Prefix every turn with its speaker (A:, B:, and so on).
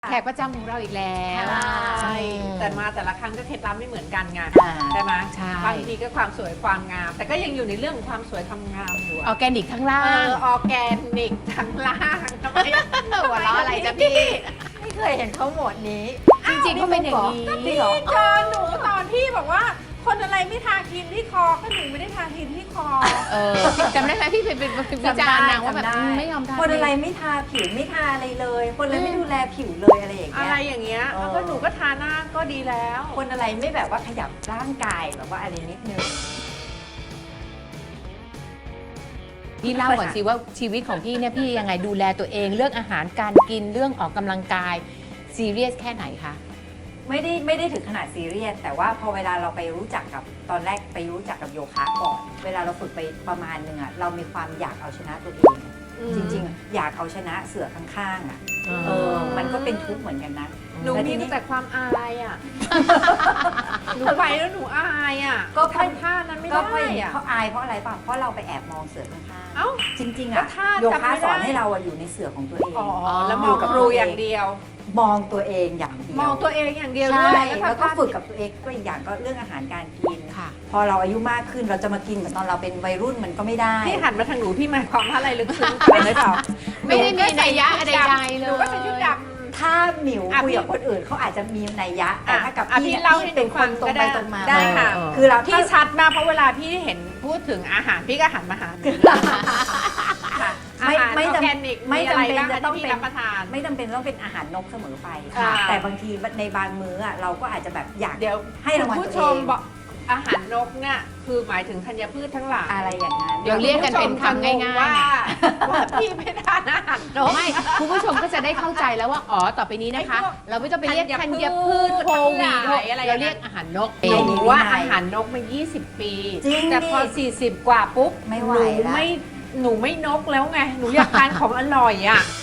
A: แขกประจำของเราอีกแล้ว
B: ใช่แต่มาแต่ละครั้งก็เคล็ดลับไม่เหมือนกันไง
A: อ่า
B: ใช่ไหม
A: ใช่
B: บางทีก็ความสวยความงาม แต่ก็ยังอยู่ในเรื่องของความสวยความงามอยู่
A: ออร์แกนิกทั้งล่าง
B: ออร์แกนิกทั้งล่างทำไม
A: หัวเราะอะไรจ๊ะพี่
C: ไม่เคยเห็นเขาหมดนี้
A: จริงๆก็เป็นอย่างนี้
C: จริงเหรอ
B: เจอหนูตอนที่บอกว่าคนอะไรไม่ทาครีมที่คอก็หนูไม่ได้ทาครีมที่คอ
A: จำได้ไหมพี่เป็นวิจารณ์นางว่าแบบไม่ยอมทา
C: คนอะไรไม่ทาผิวไม่ทาอะไรเลย คนอะไรไม่ดูแลผิวเลยอะไรอย่าง
B: อะ
C: เงี้
B: ไร
C: ย
B: อย่างเงี้ย
C: เออ
B: แล้วก็หนูก็ทาหน้าก็ดีแล้ว
C: คนอะไรไม่แบบว่าขยับร่างกายแบบว่าอะไรนิดนึง
A: พี่เล่าก่อนสิว่าชีวิตของพี่เนี่ยพี่ยังไงดูแลตัวเองเรื่องอาหารการกินเรื่องออกกำลังกายซีเรียสแค่ไหนคะ
C: ไม่ได้ถึงขนาดซีเรียสแต่ว่าพอเวลาเราไปรู้จักกับตอนแรกไปรู้จักกับโยคะก่อน เวลาเราฝึกไปประมาณนึงอะเรามีความอยากเอาชนะตัวเอง จริงๆอะอยากเอาชนะเสือข้างๆอะมันก็เป็นทุกข์เหมือนกันนะ
B: หนู
C: แล้ว
B: มี
C: ทีนี้
B: แต่ความอายอ่ะ หนูไปแล้วหนูอายอ่ะ
C: ก็เพราะ
B: ทำท่านั้นไม่
C: ก็
B: ได้
C: เพราะ
B: อ่ะ
C: เขาอายเพราะอะไรป่ะเพราะเราไปแอบมองเสือข้าง
B: เอ้า
C: ๆจริงๆ
B: ก็
C: อะ
B: ท่า
C: โย
B: จำ
C: คะ
B: ไม่ได้
C: สอนให้เราอะอยู่ในเสือของตัวเอง
B: อ๋อแล้วมองครูอย่างเดียว
C: มองตัวเองอย่างเดียว
B: มองตัวเองอย่างเดียว
C: ใช่
B: ด้วย
C: แล้วก็
B: ทำท่า
C: ฝึกกับตัวเองก็อีกอย่างก็เรื่องอาหารการกิน
A: ค่ะ
C: พอเราอายุมากขึ้นเราจะมากินเหมือนตอนเราเป็นวัยรุ่นมันก็ไม่ได้
B: พี่หันมาทางหนูพี่หมายความว่าอะไรลึกซึ้งเป็นหรือเปล่า
A: ไม่ได้มีนัยยะใดๆเลย
B: หนูก็ใส่ชุดด
C: ถ้าหมิว
B: อ่ะ
C: คุยกับ
B: พี่
C: คนอื่นเขาอาจจะมีนัยยะแต่ถ้ากับ
B: อ่ะ
C: พี่
B: พี่
C: เนี่ย
B: เล่าให้
C: พี่เป็น
B: หนู
C: ค
B: ฟั
C: น
B: ง
C: ตรง
B: ก็
C: ไป
B: ได้
C: ตรงมา
B: ได้ค่ะ
C: คือเรา
B: ำพี่ชัดมากเพราะเวลาพี่เห็นพูดถึงอาหารพี่ก็หันมาหาหนูค่ะอาหาร
C: ไม่
B: ออ
C: จำ
B: ร์แกนิก
C: ไม่
B: มีอะไร
C: จำเป็น
B: บ้าง
C: จะต้อง
B: ที่
C: เป็
B: พี่
C: น
B: รับประทาน
C: ไม่จำเป็นต้องเป็นอาหารนกเสมอไป
B: ค่ะ
C: แต่บางทีในบางมื้ออะเราก็อาจจะแบบอยาก
B: เดี๋ยว
C: ให้รางวัล
B: คุณ
C: ตัว
B: ผู้ช
C: เอ
B: ม
C: ง
B: บอกอาหารนกเนี่ยคือหมายถึงธัญพืชทั้งหลาย
C: อะไรอย่างนั้น
A: เดี๋ยวเรียกกันเป็นคำง่ายๆ
B: ว่าพี่ไม่ทานอาหารนก
A: ไม่คุณผู้ชมก็จะได้เข้าใจแล้วว่าอ๋อต่อไปนี้นะคะ
B: ไอ้พวก
A: เราไม่ต้องไปเรียก
B: ธั
A: ธั
B: ญ
A: ญ
B: พื
A: พื
B: ช
A: ชโควิด
B: ทั้งหลายอะไร
A: เราเรียกอาหารนก
B: หนูว่าอาหารนกมา 20 ปี
C: จริง
B: แต่พอ 40 กว่าปุ๊บ
C: ไม่ไหว
B: หนู
C: ละ
B: หนูไม่นกแล้วไง หนูอยากทานของอร่อยอ่ะ